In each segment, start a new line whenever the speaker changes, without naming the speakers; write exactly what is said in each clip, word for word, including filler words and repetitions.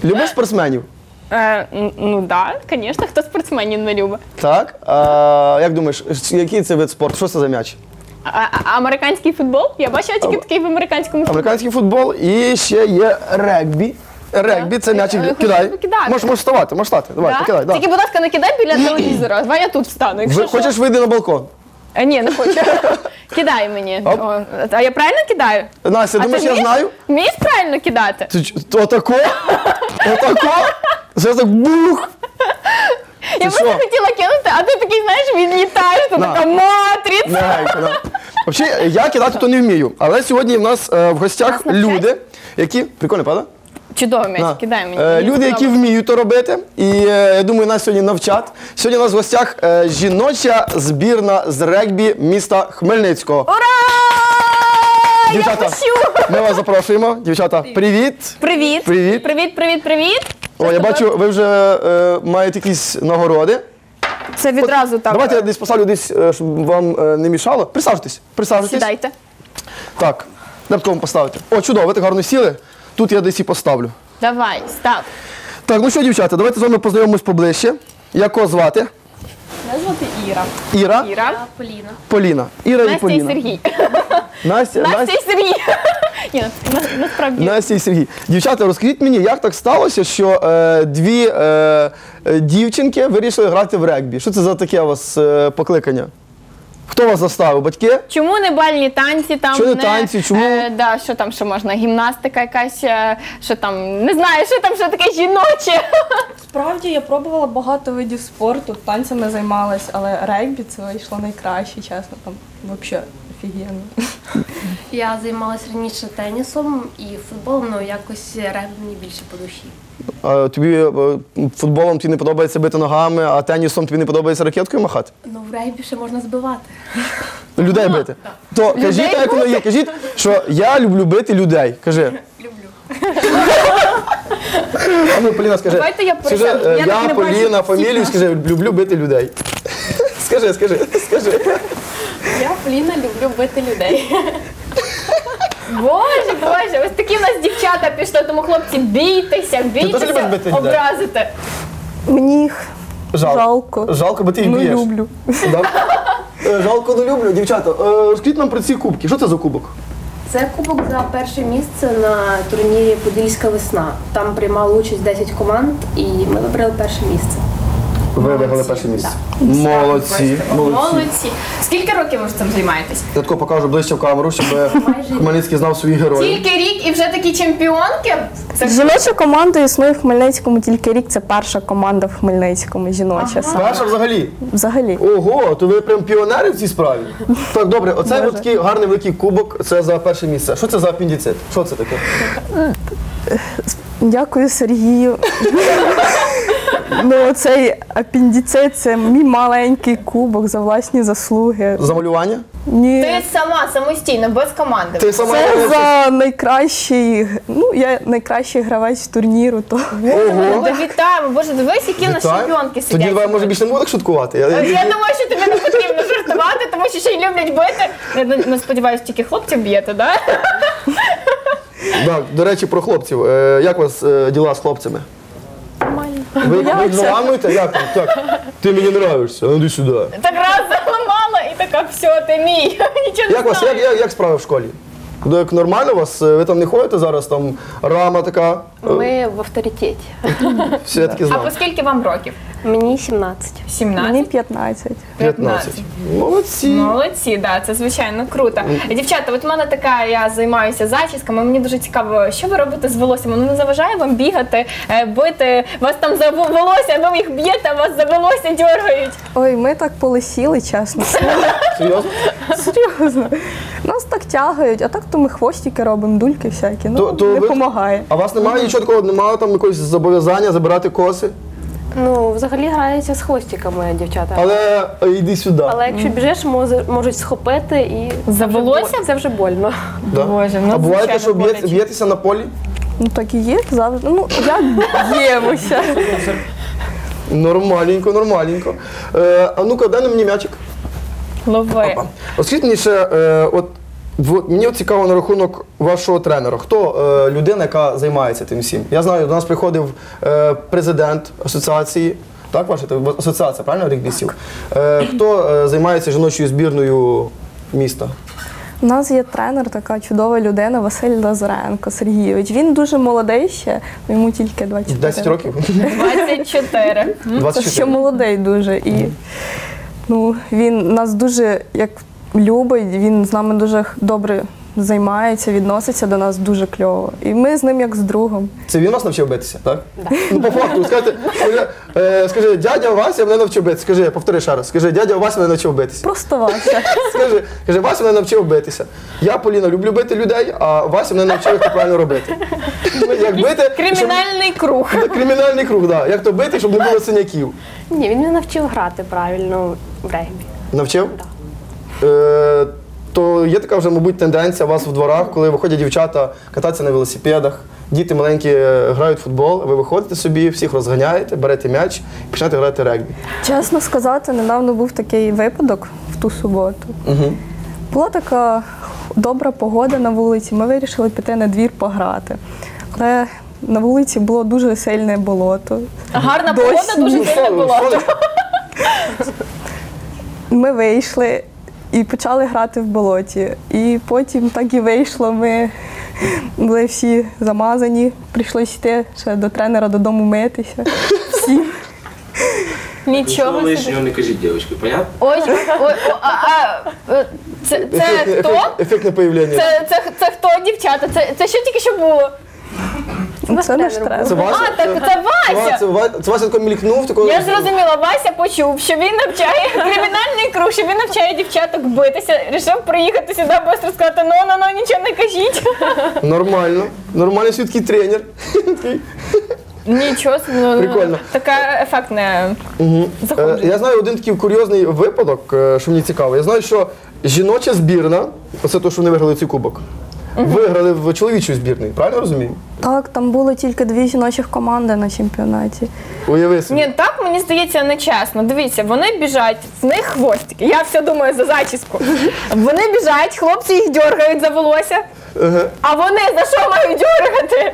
Любиш спортсменів?
Е, ну так, да, звісно, хто спортсменів не любить.
Так. А, як думаєш, який це вид спорту? Що це за м'яч?
А, а, американський футбол? Я бачила тільки такий в американському футболі.
Американський футбол і ще є регбі. Регбі, це м'ячик.
Е,
Кидай.
покидати.
Можеш можеш вставати, можеш стати. Давай,
Да?
покидай. Да.
Тільки, будь ласка, не кидай біля телевізора. Давай я тут встану. Якщо
Ви,
що.
хочеш вийти на балкон?
Е, ні, не хочу. Кидай мені.
Оп.
О, а я правильно кидаю?
Настя,
А
думаєш,
ти
я
вмієш?
знаю?
Вмієш правильно кидати?
Ти ч- Отако? Отако? Зараз так бух!
Я
Ти
просто
що?
хотіла кинути, а ти такий, знаєш, відлітаєш, ти
На.
така матриць.
Мягенько, да. Взагалі, я кидати то не вмію, але сьогодні в нас е, в гостях
Нас навчать?
люди, які... Прикольно, правда?
Чудово м'яч,
На.
кидай мені.
Е,
Мені
Люди, які
сподобалось.
вміють то робити, і е, я думаю, нас сьогодні навчать. Сьогодні у нас в гостях е, жіноча збірна з регбі міста Хмельницького.
Ура!
Дівчата,
Я пущу!
ми вас запрошуємо. Дівчата, привіт!
Привіт.
Привіт.
Привіт, привіт, привіт.
О, я бачу, ви вже е, маєте якісь нагороди.
Це відразу так.
Давайте я десь поставлю десь, е, щоб вам е, не мішало. Присаджуйтесь, присаджуйтесь.
Сідайте.
Так, де б кому поставити? О, чудово, ви так гарно сіли. Тут я десь і поставлю.
Давай, став.
Так, ну що, дівчата, давайте з вами познайомимось поближче. Як кого звати?
Мене звати Іра.
Іра,
Іра,
Поліна.
Поліна. Іра і
Настя і
Поліна.
Сергій.
Настя,
Настя
Настя,
і Сергій. Ні, на- насправді.
Настя і Сергій. Дівчата, розкажіть мені, як так сталося, що е, дві е, е, дівчинки вирішили грати в регбі? Що це за таке у вас е, покликання? Хто вас заставив? Батьки?
Чому не бальні танці там?
Чому не танці? Чому?
Е, да, що там, що можна? Гімнастика якась, е, що там, не знаю, що там, що таке жіноче.
Справді я пробувала багато видів спорту, танцями займалась, але регбі це вийшло найкраще, чесно, там взагалі офігенно.
Я займалася раніше тенісом і футболом, але якось регбі мені більше по душі.
А тобі е, футболом тобі не подобається бити ногами, а тенісом тобі не подобається ракеткою махати?
Ну, в регбі ще можна збивати.
Людей бити. То кажіть, як воно є. Кажіть, що я люблю бити людей. Кажи.
Люблю.
А ну, Поліна, скажи.
Давайте я
Скажи,
присяду.
е,
Я
я,
так не бачу
Поліна,
всіх
фамілію,
нас.
скажи, люблю бити людей. Скажи, скажи, скажи.
Я, Поліна, люблю бити людей.
Боже, боже, ось такі в нас дівчата пішли, тому хлопці, бійтеся,
теж любиш
бійтеся,
бити людей?
образити.
Мені їх
Жалко.
жалко.
Жалко, бо ти їх
Ну,
б'єш.
люблю.
Да? Е, Жалко, не люблю. Дівчата, е, розкажіть нам про ці кубки. Що це за кубок?
Це кубок за перше місце на турнірі «Подільська весна». Там приймало участь десять команд і ми вибрали перше місце.
Ви виграли перше місце. Молодці, молодці.
Молодці. Скільки років ви ж цим займаєтесь?
Я тако покажу ближче в камеру, щоб Хмельницький знав своїх героїв.
Тільки рік і вже такі чемпіонки? Це
Жіноча команда існує в Хмельницькому тільки рік. Це перша команда в Хмельницькому, жіноча. саме.
Перша взагалі.
Взагалі.
Ого, то ви прям піонери в цій справі. Так, добре, оцей
Боже.
от такий гарний великий кубок, це за перше місце. Що це за апендицит? Що це таке?
Дякую Сергію. Ну, цей апендицит – це мій маленький кубок за власні заслуги.
За малювання?
Ні.
ти сама, самостійно, без команди.
Ти сама
Це за найкращий, ну, я найкращий гравець турніру, то
Ого.
Та вітаємо, боже, дивись, які в нас
Вітаю.
чемпіонки сидять.
Тоді давай, може, більше не будемо так шуткувати. Я,
Я думаю, що тобі не потрібно жартувати, тому що ще й люблять бити. Я не сподіваюся, тільки хлопців б'єте, так?
Так, до речі, про хлопців. Е, як у вас е, діла з хлопцями? Ви, ви заламуєте? Як там? Так, ти мені нравишся, ну йди сюди.
Так раз заламала і така, все, ти мій. Нічого не
Як вас,
знаю.
як, як, як справи в школі? Ну, як нормально у вас? Ви там не ходите зараз, там рама така?
Ми в авторитеті.
Всі я таки
А
знав.
по скільки вам років?
Мені сімнадцять.
мені
сімнадцять?
п'ятнадцять.
п'ятнадцять. Молодці.
Молодці, да, це звичайно круто. Дівчата, от у мене така, я займаюся зачісками, мені дуже цікаво, що ви робите з волоссям? Воно не заважає вам бігати, е, бити, вас там за волосся, ви їх б'єте, а вас за волосся дергають.
Ой, ми так полисіли, чесно.
Серйозно?
Серйозно. Нас так тягають, а так то ми хвостики робимо, дульки всякі. Ну,
То- то
не
ви-
допомагає.
А у вас немає нічого такого, немає там якогось зобов'язання забирати коси?
Ну, взагалі граються з хвостиками дівчата.
Але е, йди сюди.
Але якщо біжиш, може- можуть схопити і
За
це вже
волосся?
бо- Це вже больно.
Да?
Боже, ну,
а буває те,
звичайно,
що б'є-
боляче.
б'єтеся на полі?
Ну так і є завжди. Ну, як б'ємося.
Нормальненько, нормальненько. Е, а ну-ка, дай на мені м'ячик.
Лови.
Опа. От скажіть мені ще, е, от от мені от цікаво на рахунок вашого тренера. Хто е, людина, яка займається тим всім? Я знаю, до нас приходив е, президент асоціації, так, ваша асоціація, правильно, регбістів? Е, хто е, займається жіночою збірною міста?
У нас є тренер, така чудова людина Василь Лазаренко Сергійович. Він дуже молодий ще, йому тільки двадцять чотири.
десять років?
двадцять чотири.
Це
двадцять
ще
чотири.
молодий дуже. І ну, він нас дуже як любить, він з нами дуже добре займається, відноситься до нас дуже кльово. І ми з ним як з другом.
Це він вас навчив битися, так? Ну, по факту, скажи, скажи, е, скажи, дядя Вася мене навчив битися. Скажи, повтори ще раз. Скажи, дядя Вася мене навчив битися.
Просто Вася.
Скажи, скажи, Вася мене навчив битися. Я, Поліна, люблю бити людей, а Вася мене навчив, як це правильно робити. Як бити,
Кримінальний круг.
щоб... Кримінальний круг, так. Як то бити, щоб не було синяків.
Ні, він мене навчив грати правильно в регбі.
Навчив? Е, то є така вже, мабуть, тенденція у вас в дворах, коли виходять дівчата кататися на велосипедах, діти маленькі е, грають в футбол, ви виходите собі, всіх розганяєте, берете м'яч і починаєте грати регбі.
Чесно сказати, недавно був такий випадок в ту суботу.
Угу.
Була така добра погода на вулиці, ми вирішили піти на двір пограти. Але на вулиці було дуже сильне болото.
Гарна
Дощ.
погода, дуже
Ну,
сильно було.
Ми вийшли і почали грати в болоті. І потім так і вийшло. Ми були всі замазані, прийшлося йти ще до тренера додому митися. Всі.
Нічого собі.
лишнього не кажіть, дівчатки, понятно?
Ой, ой, о, а, а, е, це, це
Ефектне,
хто?
ефект, ефектне появлення.
Це, це, це хто, дівчата? Це, це що тільки що було?
Це наш тренер.
Це Вася?
А, так це Вася.
Це, Ва- це Вася тако мількнув, такого...
Я зрозуміла, Вася почув, що він навчає кримінальний круг, що він навчає дівчаток битися. Рішив приїхати сюди, швидко сказати, ну, ну, ну, нічого не кажіть.
Нормально. Нормальний свідкий тренер.
Нічого, собі, ну,
Прикольно.
Така ефектне
Е,
заходження.
Я знаю один такий курйозний випадок, е, що мені цікаво. Я знаю, що жіноча збірна, оце те, що вони виграли цей кубок, виграли в чоловічій збірній, правильно розумію?
Так, там було тільки дві жіночих команди на чемпіонаті.
Уяви собі.
Ні, так мені здається нечесно. Дивіться, вони біжать, в них хвостики. Я все думаю за зачіску. Вони біжать, хлопці їх дергають за волосся.
Ага.
А вони за що мають дергати?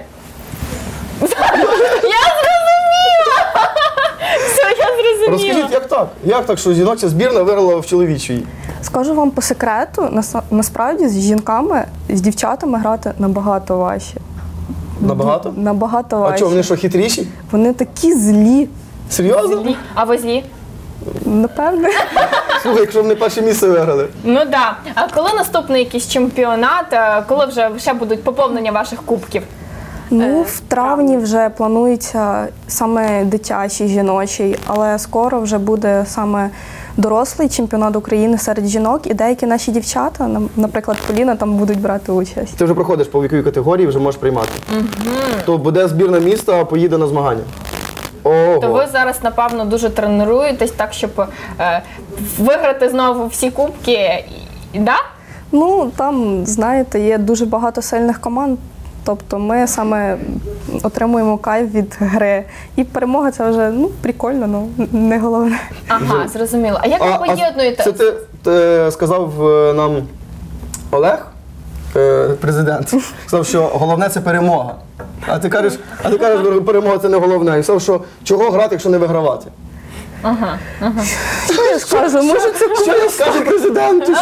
Я зрозуміла! Все, я зрозуміла.
Розкажіть, як так? Як так, що жіноча збірна виграла в чоловічій?
Скажу вам по секрету, наса- насправді з жінками, з дівчатами грати набагато важче.
Набагато?
Набагато
А
важче.
що, вони що, хитріші?
Вони такі злі,
Серйозно?
А ви злі?
напевне.
Слухай, якщо вони перше місце виграли.
Ну так. Да. А коли наступний якийсь чемпіонат, е, коли вже ще будуть поповнення ваших кубків?
Ну, в травні вже планується саме дитячий, жіночий, але скоро вже буде саме дорослий чемпіонат України серед жінок, і деякі наші дівчата, нам- наприклад, Поліна, там будуть брати участь.
Ти вже проходиш по віковій категорії, вже можеш приймати. То буде збірна міста, поїде на змагання. Ого.
То ви зараз, напевно, дуже тренуєтесь так, щоб е, виграти знову всі кубки. І- Да?
Ну, там, знаєте, є дуже багато сильних команд. Тобто ми саме отримуємо кайф від гри. І перемога це вже ну, прикольно, ну не головне.
Ага, зрозуміло. А як ви
А, а
поєднуєте?
це ти, ти сказав е, нам Олег, е, президент, сказав, що головне це перемога. А ти кажеш, а ти кажеш, перемога це не головне. І сказав, що чого грати, якщо не вигравати.
Ага, ага.
Що я скажу? Може, це
Що я скажу президенту?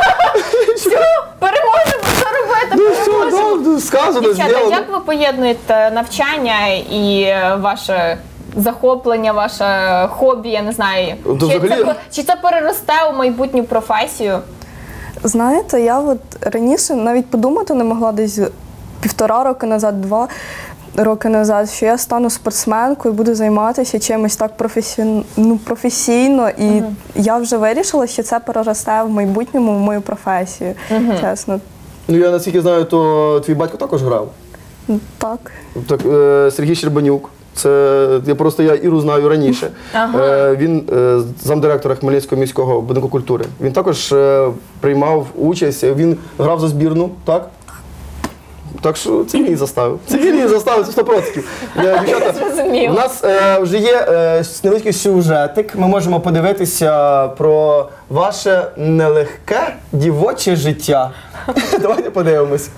Що?
Переможемо, що робити?
Ну що,
Переможемо.
да, сказано,
Дівчата,
зроблено.
як ви поєднуєте навчання і е, ваше захоплення, ваше хобі, я не знаю.
То
Чи,
взагалі-
це, чи це переросте у майбутню професію?
знаєте, я от раніше навіть подумати не могла десь півтора роки назад, два роки назад, що я стану спортсменкою, буду займатися чимось так професійно, ну, професійно. І я вже вирішила, що це переросте в майбутньому в мою професію. Чесно.
Ну я наскільки знаю, то твій батько також грав.
Так.
Так, е, Сергій Щербанюк. Це я просто я Іру знаю раніше.
Ага.
Е, він е, замдиректора Хмельницького міського будинку культури. Він також е, приймав участь. Він грав за збірну, так? Так що це він заставив. Це він її заставив, це сто відсотків. Е, Дівчата,
Зрозуміло.
у нас е, вже є е, невеликий сюжетик. Ми можемо подивитися про ваше нелегке дівоче життя. Давайте подивимось.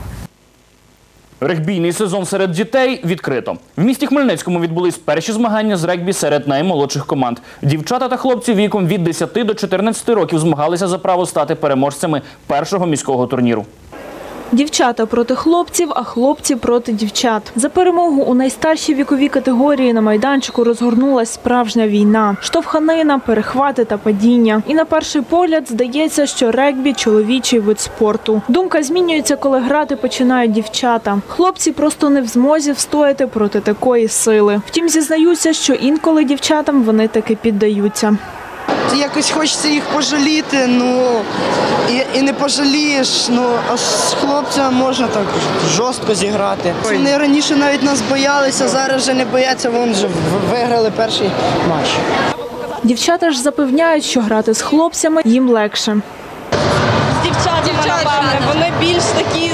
Регбійний сезон серед дітей відкрито. В місті Хмельницькому відбулись перші змагання з регбі серед наймолодших команд. Дівчата та хлопці віком від десяти до чотирнадцяти років змагалися за право стати переможцями першого міського турніру.
Дівчата проти хлопців, а хлопці проти дівчат. За перемогу у найстаршій віковій категорії на майданчику розгорнулась справжня війна. Штовханина, перехвати та падіння. І на перший погляд здається, що регбі – чоловічий вид спорту. Думка змінюється, коли грати починають дівчата. Хлопці просто не в змозі встояти проти такої сили. Втім, зізнаються, що інколи дівчатам вони таки піддаються.
Якось хочеться їх пожаліти, ну і, і не пожалієш, ну а з хлопцями можна так жорстко зіграти. Вони раніше навіть нас боялися, зараз вже не бояться, вони вже виграли перший матч.
Дівчата ж запевняють, що грати з хлопцями їм легше.
З дівчатами, напевне, вони більш такі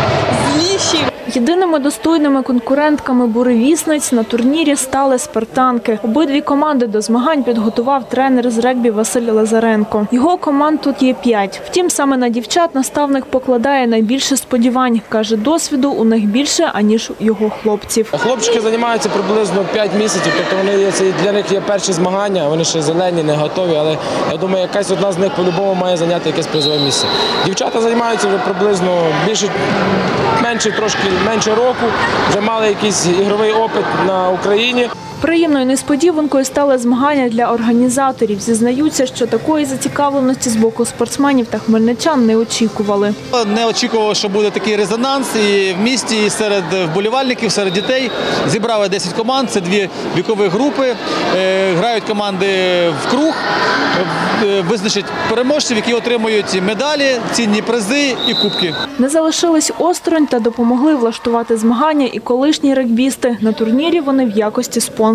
зліші.
Єдиними достойними конкурентками буревісниць на турнірі стали спартанки. Обидві команди до змагань підготував тренер з регбі Василь Лазаренко. Його команд тут є п'ять. Втім, саме на дівчат наставник покладає найбільше сподівань. Каже, досвіду у них більше, аніж у його хлопців.
Хлопчики займаються приблизно п'ять місяців, тобто вони є, це для них є перші змагання, вони ще зелені, не готові, але я думаю, якась одна з них по-любому має зайняти якесь призове місце. Дівчата займаються вже приблизно більше, менше трошки, менше року, вже мали якийсь ігровий опит на Україні.
Приємною несподіванкою стали змагання для організаторів. Зізнаються, що такої зацікавленості з боку спортсменів та хмельничан не очікували.
Не очікував, що буде такий резонанс і в місті, і серед вболівальників, серед дітей. Зібрали десять команд, це дві вікові групи. Грають команди в круг, визначать переможців, які отримують медалі, цінні призи і кубки.
Не залишились осторонь та допомогли влаштувати змагання і колишні регбісти. На турнірі вони в якості спонсорів.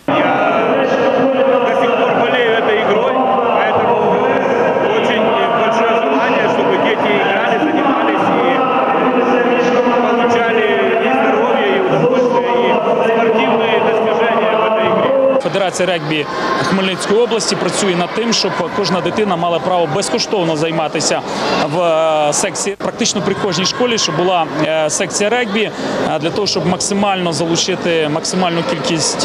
Федерація регбі Хмельницької області працює над тим, щоб кожна дитина мала право безкоштовно займатися в секції. Практично при кожній школі, щоб була секція регбі, для того, щоб максимально залучити максимальну кількість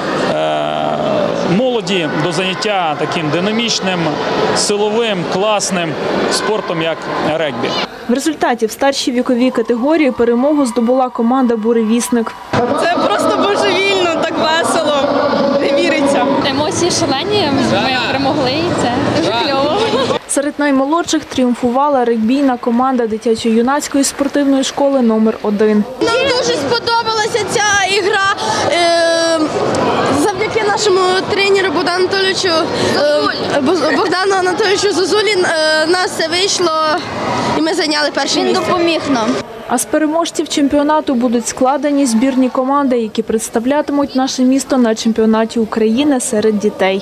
молоді до заняття таким динамічним, силовим, класним спортом, як регбі.
В результаті в старшій віковій категорії перемогу здобула команда «Буревісник».
Це просто божевільно, так весело, не віриться.
Емоції шалені, ми перемогли, і це дуже кльово.
Серед наймолодших тріумфувала регбійна команда дитячо-юнацької спортивної школи номер один.
Нам дуже сподобалася ця ігра. Завдяки нашому тренеру Богдану Анатолійовичу Богдану Анатолійовичу Зозулі нас все вийшло і ми зайняли перше місце.
Він допоміг нам.
А з переможців чемпіонату будуть складені збірні команди, які представлятимуть наше місто на чемпіонаті України серед дітей.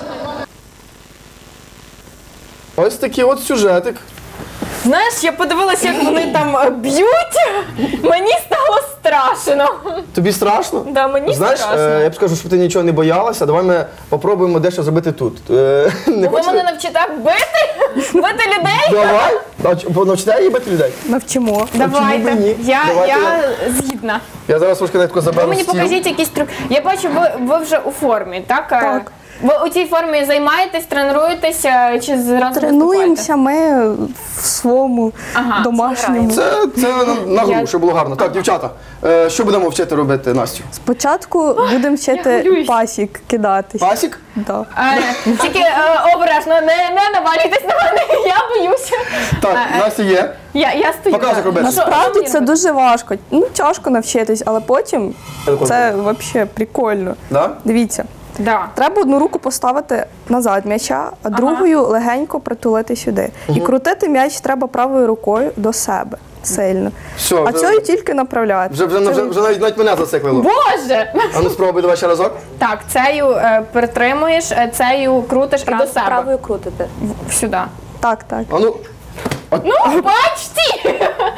Ось такий от сюжетик.
Знаєш, я подивилася, як вони там б'ють, мені стало страшно.
Тобі страшно?
Да, мені
Знаєш,
страшно.
Е, я б скажу, щоб ти нічого не боялася, давай ми попробуємо дещо зробити тут. Е, не
Ви мене навчите бити? Бити людей?
Давай. Навч- Навчите її бити людей?
Навчимо.
Давайте.
Чому б і ні?
Я,
Давайте
я
я-
згідна.
Я зараз трошки тако
Ви
заберу
мені
стіл.
покажіть якийсь трюк. Я бачу, ви, ви вже у формі, так?
Так.
Ви у цій формі займаєтесь, тренуєтеся чи зразу
Тренуємося ми в своєму
Ага,
домашньому.
Це, це на, на гру, щоб було гарно. Так, дівчата, е, що будемо вчити робити, Настю?
Спочатку будемо вчити
хвилююсь.
пасік кидатись.
Пасік?
Да.
Е, Тільки е, обережно, не, не навалюйтесь на мене, я боюся.
Так,
Е,
Настя є.
Я, я стою.
Показуй, як робити.
Насправді це дуже важко. Ну, тяжко навчитись, але потім це взагалі прикольно.
Да?
Дивіться.
Да.
Треба одну руку поставити назад м'яча, а другою легенько притулити сюди. І крутити м'яч треба правою рукою до себе сильно.
Все,
А
вже-
цією тільки направляти.
Вже, вже, вже, вже навіть, навіть мене зациклило.
Боже!
А ну спробуй, давай ще разок.
Так, цею е, притримуєш, е, цею крутиш і до себе.
Правою крутите.
В- Сюди.
Так, так.
А ну,
Ну, почти!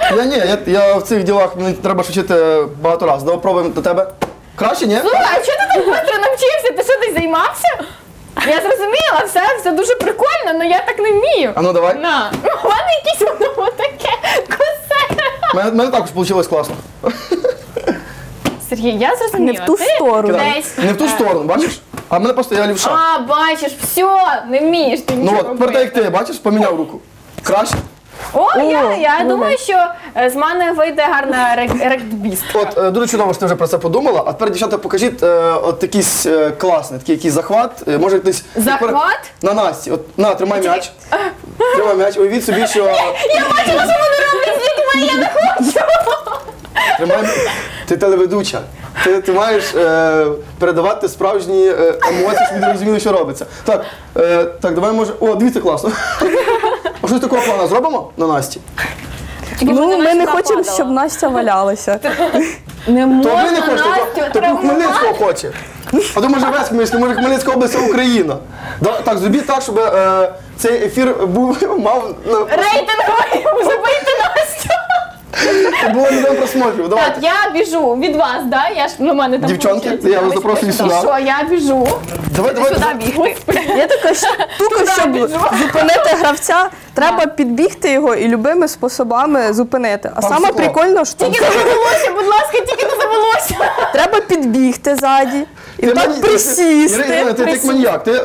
Я ні, я, я в цих ділах мені треба ж вчити багато разів. Давай пробуємо до тебе. Краще, ні?
Слухай, а чого ти так швидко навчився? Ти що, десь займався? Я зрозуміла, все, все дуже прикольно, але я так не вмію.
А ну давай.
На. У мене якесь воно таке косе.
У мене, мене також вийшло класно.
Сергій, я зрозуміла.
Не в ту
ти
сторону.
Десь...
Не в ту сторону, бачиш? А в мене просто я лівша.
А, бачиш, все, не вмієш ти
Ну
нічого
от, тепер так як
робити.
ти, бачиш, поміняв руку. Краще.
О,
О,
я, я
ну,
думаю, що е, з мене вийде гарна рек- регбістка.
От е, дуже чудово, що ти вже про це подумала. А тепер, дівчата, покажіть е, от якийсь е, класний, такий якийсь захват. Е, може якийсь
Захват?
на Насті. От на, тримай м'яч. Тримай м'яч. Уявіть собі, що
Я бачила, що вони роблять з дітьми, я не хочу.
тримай. Ти телеведуча. Ти, ти маєш е, передавати справжні е, емоції, щоб люди розуміли, що робиться. Так, е, так, давай може. О, дивіться, класно. А щось такого плану зробимо на Насті?
Ну, ми не хочемо, щоб Настя валялася.
Не
То
можна
ви не хочете, то,
Настю
то
травмувати.
Хмельницького хоче. А то може весь Хмельницький, може Хмельницька область це Україна. Да, так, зробіть так, щоб е, цей ефір був, мав ну,
Рейтинговий, забийте Настю.
щоб було мільйон просмотрів.
Так,
Давайте.
я біжу від вас, да? Я ж, ну, мене там
Дівчонки,
виходить.
я вас запрошую сюди.
Що, я біжу.
Давай, давай.
Сюди бігти.
Є така штука, щоб зупинити гравця, треба підбігти його і любими способами зупинити. А
Там
саме
стекло.
прикольно, що
Тільки не завелося, будь ласка, тільки не завелося.
треба підбігти ззаді і
Ти
так
мані-
присісти.
Ірина, ти як маньяк. Ти...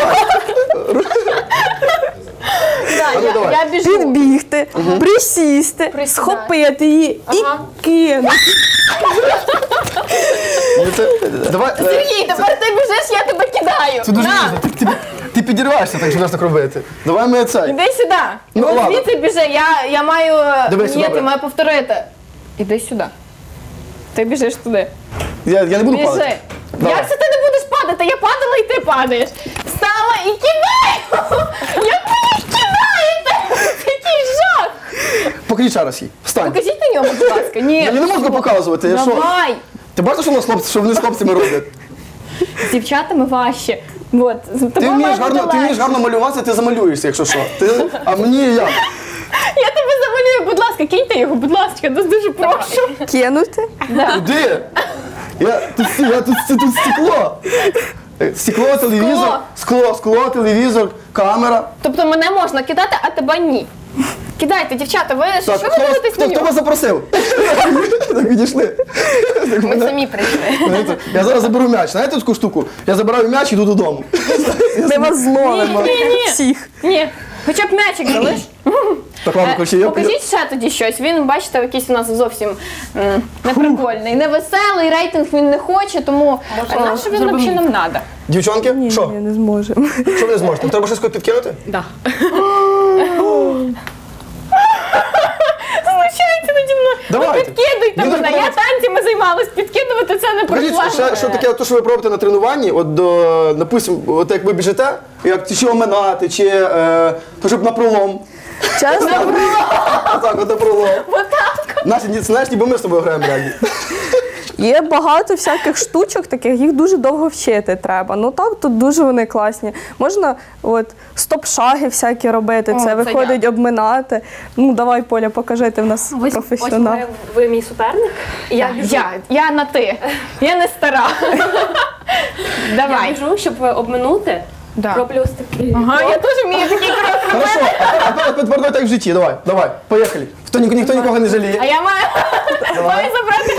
Да,
ну,
я,
давай.
я біжу.
Підбігти, присісти,
Присідаю.
схопити її
Ага.
і кинути.
Ну, це- Давай. е,
Сергій, тепер ти біжиш, я тебе кидаю.
Це дуже
На,
різно. Ти, ти, ти підірваєшся, так що нас так робити. Давай ми цей.
іди сюди.
Ну,
От
ладно.
звідси біжи, я, я маю...
Дивись,
Ні,
добре.
ти маю повторити. Іди сюди. Ти біжиш туди.
Я, я не буду
Біжи.
падати. Давай.
Як це ти не будеш падати? Я падала і ти падаєш. Встала і кидаю! Як ви їх кидаєте? Який жах!
Покажіть ще раз їй. Встань.
Покажіть на ньому, будь ласка. Ні.
Я не можу показувати. Я що?
Давай.
Ти бачиш, що, у нас хлопці, що вони з хлопцями роблять?
З дівчатами важче. От, з
Ти
тобою
вмієш
має бути
гарно, ти вмієш
легше.
гарно малюватися, ти замалюєшся, якщо що. Ти, а мені як?
Я тебе замалюю, будь ласка, киньте його, будь ласка, дуже, дуже прошу.
Кинути.
Куди? Я, тут, сті- я, тут, тут, тут стекло. Е, Стекло, телевізор, скло, скло, телевізор, камера.
Тобто мене можна кидати, а тебе ні. Кидайте, дівчата, ви що
Так,
ви
хто, вас-
дивитесь
хто,
на
хто
нього?
вас запросив? Так відійшли. Так,
Ми
мене-
самі прийшли.
знаєте, Я зараз заберу м'яч. Знаєте таку штуку? Я забираю м'яч і йду додому.
Ми вас зловимо.
Ні, ні, ні.
Всіх.
Ні, хоча б м'ячик залиш.
Так, ладно,
Е,
коротше, я
Покажіть ще тоді щось. Він, бачите, якийсь у нас зовсім м, неприкольний, невеселий, рейтинг він не хоче, тому а на що він взагалі нам треба?
Дівчонки,
Ні,
що?
ні, не зможемо.
Що ви не зможете? Треба щось підкинути?
Знущається наді мною. Ну
Давайте.
підкидуйте
Він
мене.
так
Я
подобається.
танцями займалась, підкидувати це не
Покажіть,
проблема.
що, що таке, то, що ви пробуєте на тренуванні, от, до, допустим, от як ви біжите, як чи оминати, чи е, то, щоб на пролом.
Чесно,
Так, от на пролом.
Отак.
Настя, ні- знаєш, ніби ми з тобою граємо регбі.
є багато всяких штучок, таких їх дуже довго вчити треба. Ну так, тут дуже вони класні. Можна от стоп-шаги всякі робити,
О,
це
це
виходить
я.
обминати. Ну давай, Поля, покажи, ти в нас професіонал.
Ось ви, ви мій суперник. І я біжу.
Я, я на ти. Я не стара.
Я
Давай.
біжу, щоб обминути.
Да.
Роблю ось такий.
Ага, я теж вмію такий крок робити.
Хорошо, а тепер- тепер давай так в житті, давай, давай, поїхали. Хто, ні- ніхто нікого не жаліє.
А я маю, маю забрати.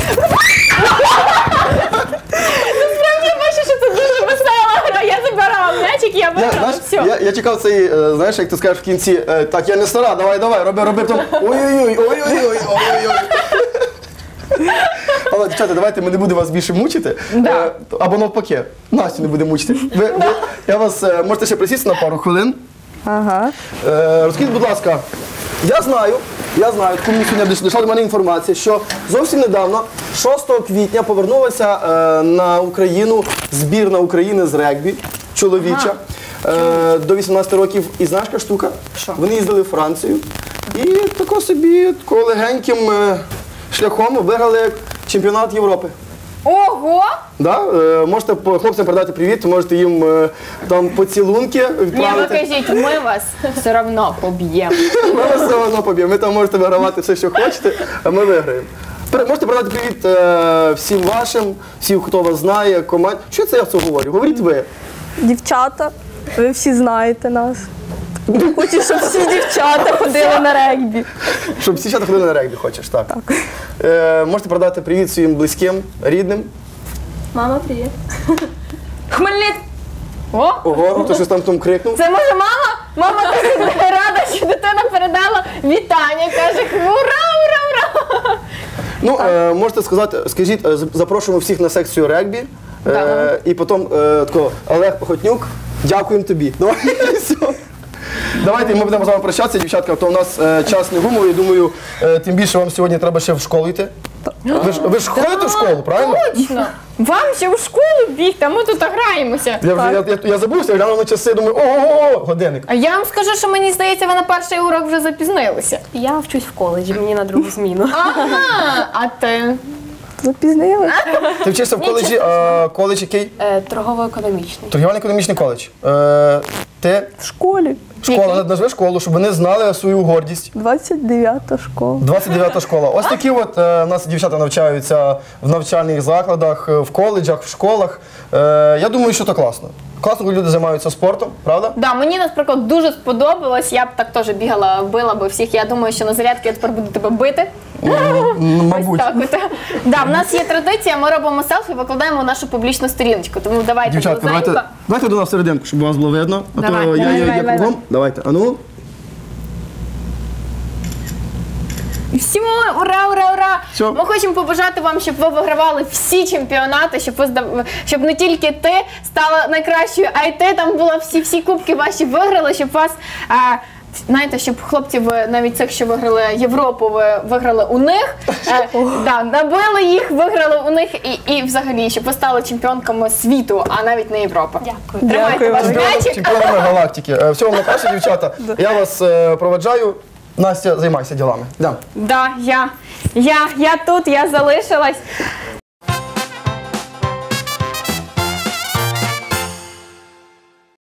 Насправді я бачу, що це дуже весела гра. Я забирала м'ячик, я
Я,
виграла.
знаєш,
Все.
я, я чекав цей, е, знаєш, як ти скажеш в кінці, е, так, я не стара, давай, давай, роби, роби, потім ой-ой-ой, ой-ой-ой, ой-ой-ой. Але, дівчата, давайте ми не будемо вас більше мучити.
Да.
Е, або навпаки, Настю не будемо мучити. Ви, ви, я вас, е, можете ще присісти на пару хвилин.
Ага.
Е, розкажіть, будь ласка, я знаю, я знаю, таку мені сьогодні дійшла до мене інформація, що зовсім недавно, шостого квітня, повернулася е, на Україну збірна України з регбі, чоловіча, е, до вісімнадцяти років. І знаєш, яка штука?
Що?
Вони їздили в Францію і тако собі тако легеньким е, шляхом виграли чемпіонат Європи.
Ого!
Да? Е, можете по- хлопцям передати привіт, можете їм е, там поцілунки
Ні, ви
відправити.
кажіть, ми вас все одно поб'ємо.
Ми вас все одно поб'ємо. Ви там можете вигравати все, що хочете, а ми виграємо. Пере- Можете передати привіт е, всім вашим, всім, хто вас знає, команд. Що це я це говорю? Говоріть ви.
Дівчата, ви всі знаєте нас. Хочу, щоб всі дівчата ходили на регбі.
Щоб всі дівчата ходили на регбі, хочеш, так. так. Е, можете передати привіт своїм близьким, рідним.
Мама, привіт.
Хмельниць! О!
Ого, хто щось там там крикнув.
Це може мама? Мама дуже рада, що дитина передала вітання. Каже, ура, ура, ура!
Ну, е, можете сказати, скажіть, е, запрошуємо всіх на секцію регбі. Е, і потім е, тако, Олег Похотнюк, дякуємо тобі. Давай, все. Давайте ми будемо з вами прощатися, дівчатка, то у нас е, час не гумовий, думаю, е, тим більше вам сьогодні треба ще в школу йти. Ви ж, ви ж ходите в школу, правильно?
Точно! Вам ще в школу бігти, а ми тут граємося.
Я, вже, я, я, я забувся, глянув на часи, думаю, ого, годинник.
А я вам скажу, що мені здається, ви на перший урок вже запізнилися.
Я вчусь в коледжі, мені на другу зміну.
Ага, а ти?
Запізнилися.
Ти вчишся в коледжі, а коледж який?
Е, Торгово-економічний.
Торгівельно-економічний коледж. Е, ти?
В школі.
Школа, назви школу, щоб вони знали свою гордість.
двадцять дев'ята школа.
двадцять дев'ята школа. Ось такі от е, у нас дівчата навчаються в навчальних закладах, е, в коледжах, в школах. Е, я думаю, що це класно. Класно, коли люди займаються спортом, правда?
Да, мені, наприклад, дуже сподобалось. Я б так теж бігала, била би всіх. Я думаю, що на зарядки я тепер буду тебе бити.
Мабуть.
Так, от. Да, в нас є традиція, ми робимо селфі, викладаємо нашу публічну сторіночку. Тому давайте,
Дівчатка, давайте,
близенько.
давайте до нас всерединку, щоб вас було видно. А
Давай,
то я,
давай,
я, я
давай,
кругом.
давай.
Давайте, а ну.
І всім ура, ура, ура!
Всьо.
Ми хочемо побажати вам, щоб ви вигравали всі чемпіонати, щоб ви здав- щоб не тільки ти стала найкращою, а й ти там була всі всі кубки ваші виграли, щоб вас. А, знаєте, щоб хлопці ви навіть цих, що виграли Європу, ви виграли у них, е, да, набили їх, виграли у них і, і взагалі, щоб ви стали чемпіонками світу, а навіть не Європи.
Дякую.
Тримайте ваш
Чемпіонами,
м'ячик.
чемпіонами галактики. Е, Всього вам найкраще, дівчата. Я вас е, проведжаю. Настя, займайся ділами. Йдемо.
Да, я, я, я тут, я залишилась.